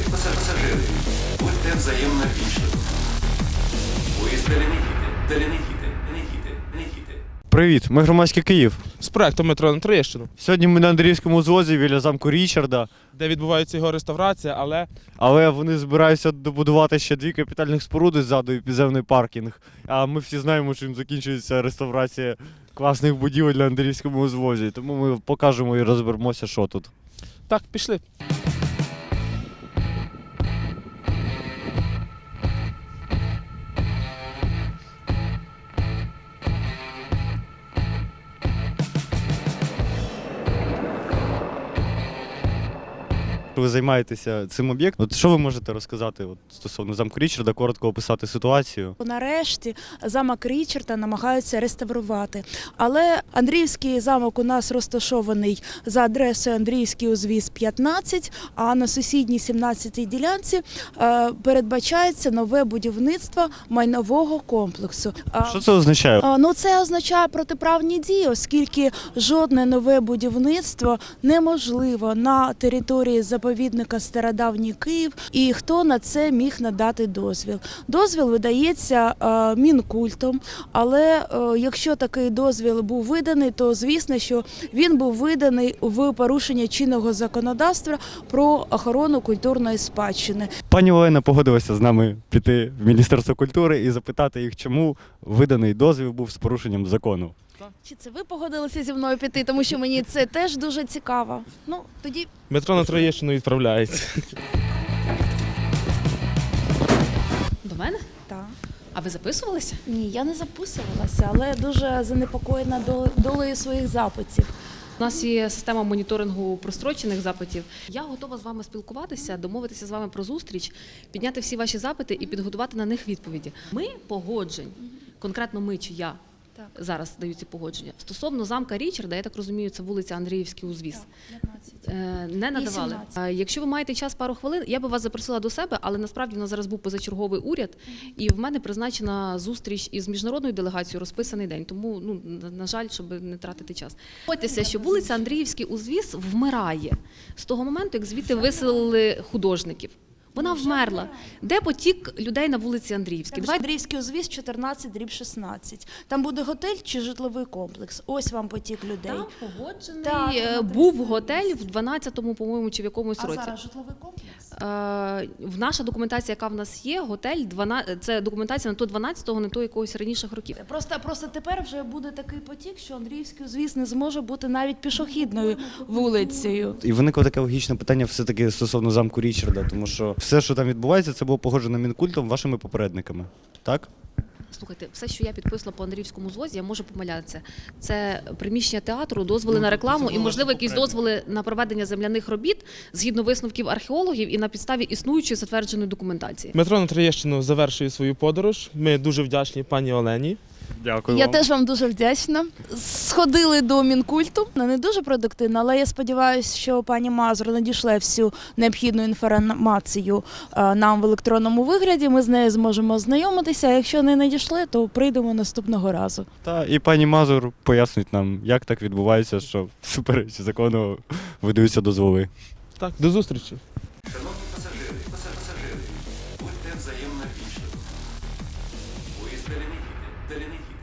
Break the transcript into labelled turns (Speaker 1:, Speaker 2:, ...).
Speaker 1: пасажири, будьте взаємно вічливі. Поїзд далі не їде.
Speaker 2: Привіт, ми громадський Київ.
Speaker 3: З проектом метро на Троєщину,
Speaker 2: Сьогодні ми на Андріївському узвозі біля замку Річарда,
Speaker 3: де відбувається його реставрація,
Speaker 2: але вони збираються добудувати ще 2 капітальних споруди ззаду і підземний паркінг. А ми всі знаємо, чим закінчується реставрація класних будівель на Андріївському узвозі. Тому ми покажемо і розберемося, що тут.
Speaker 3: так, пішли.
Speaker 2: Ви займаєтеся цим об'єктом. От що ви можете розказати стосовно замку Річарда, коротко описати ситуацію?
Speaker 4: Нарешті замок Річарда намагаються реставрувати. Але Андріївський замок у нас розташований за адресою Андріївський узвіз 15, а на сусідній 17-й ділянці передбачається нове будівництво майнового комплексу.
Speaker 2: Що це означає?
Speaker 4: Це означає протиправні дії, оскільки жодне нове будівництво неможливо на території заповідника Стародавній Київ, і хто на це міг надати дозвіл. Дозвіл видається Мінкультом, але якщо такий дозвіл був виданий, то звісно, що він був виданий в порушення чинного законодавства про охорону культурної спадщини.
Speaker 2: Пані Олена погодилася з нами піти в Міністерство культури і запитати їх, чому виданий дозвіл був з порушенням закону.
Speaker 4: Чи це ви погодилися зі мною піти, тому що мені це теж дуже цікаво. Тоді
Speaker 3: Метро на Троєщину відправляється.
Speaker 5: До мене?
Speaker 4: так.
Speaker 5: А ви записувалися?
Speaker 4: Ні, я не записувалася, але дуже занепокоєна долею своїх запитів.
Speaker 5: У нас є система моніторингу прострочених запитів. Я готова з вами спілкуватися, домовитися з вами про зустріч, підняти всі ваші запити і підготувати на них відповіді. Ми погоджень, конкретно ми чи я, зараз даю ці погодження. Стосовно замка Річарда, я так розумію, це вулиця Андріївський узвіз. Не надавали. Якщо ви маєте час пару хвилин, я би вас запросила до себе, але насправді у нас зараз був позачерговий уряд, і в мене призначена зустріч із міжнародною делегацією розписаний день. Тому, на жаль, щоб не тратити час. Погодьтеся, що вулиця Андріївський узвіз вмирає з того моменту, як звідти виселили художників. Вона вмерла. Де потік людей на вулиці Андріївській?
Speaker 4: Андріївський узвіз 14/16. Там буде готель чи житловий комплекс? Ось вам потік людей.
Speaker 5: Там погоджений був готель в 12-му, по-моєму, чи в якомусь році.
Speaker 4: А зараз житловий комплекс?
Speaker 5: Наша документація, яка в нас є, готель, це документація не то 12-го, не то якогось раніших років.
Speaker 4: Просто тепер вже буде такий потік, що Андріївський узвіз не зможе бути навіть пішохідною вулицею.
Speaker 2: І виникло таке логічне питання все-таки стосовно замку Річарда, тому що все, що там відбувається, це було погоджено Мінкультом вашими попередниками, так?
Speaker 5: Слухайте, все, що я підписала по Андріївському звозі, я можу помилятися. Це приміщення театру, дозволи на рекламу і, можливо, якісь дозволи на проведення земляних робіт згідно висновків археологів і на підставі існуючої затвердженої документації.
Speaker 3: Метро на Троєщину завершує свою подорож. Ми дуже вдячні пані Олені.
Speaker 2: Дякую
Speaker 4: Я
Speaker 2: вам.
Speaker 4: теж вам дуже вдячна. Сходили до Мінкульту. Не дуже продуктивно, але я сподіваюся, що пані Мазур надійшла всю необхідну інформацію нам в електронному вигляді. Ми з нею зможемо ознайомитися. А якщо не надійшли, то прийдемо наступного разу.
Speaker 2: І пані Мазур пояснить нам, як так відбувається, що всупереч закону видаються дозволи.
Speaker 3: Так, до зустрічі.
Speaker 1: Шановні пасажири, будьте взаємно вічливі. Поїзд далі не їде.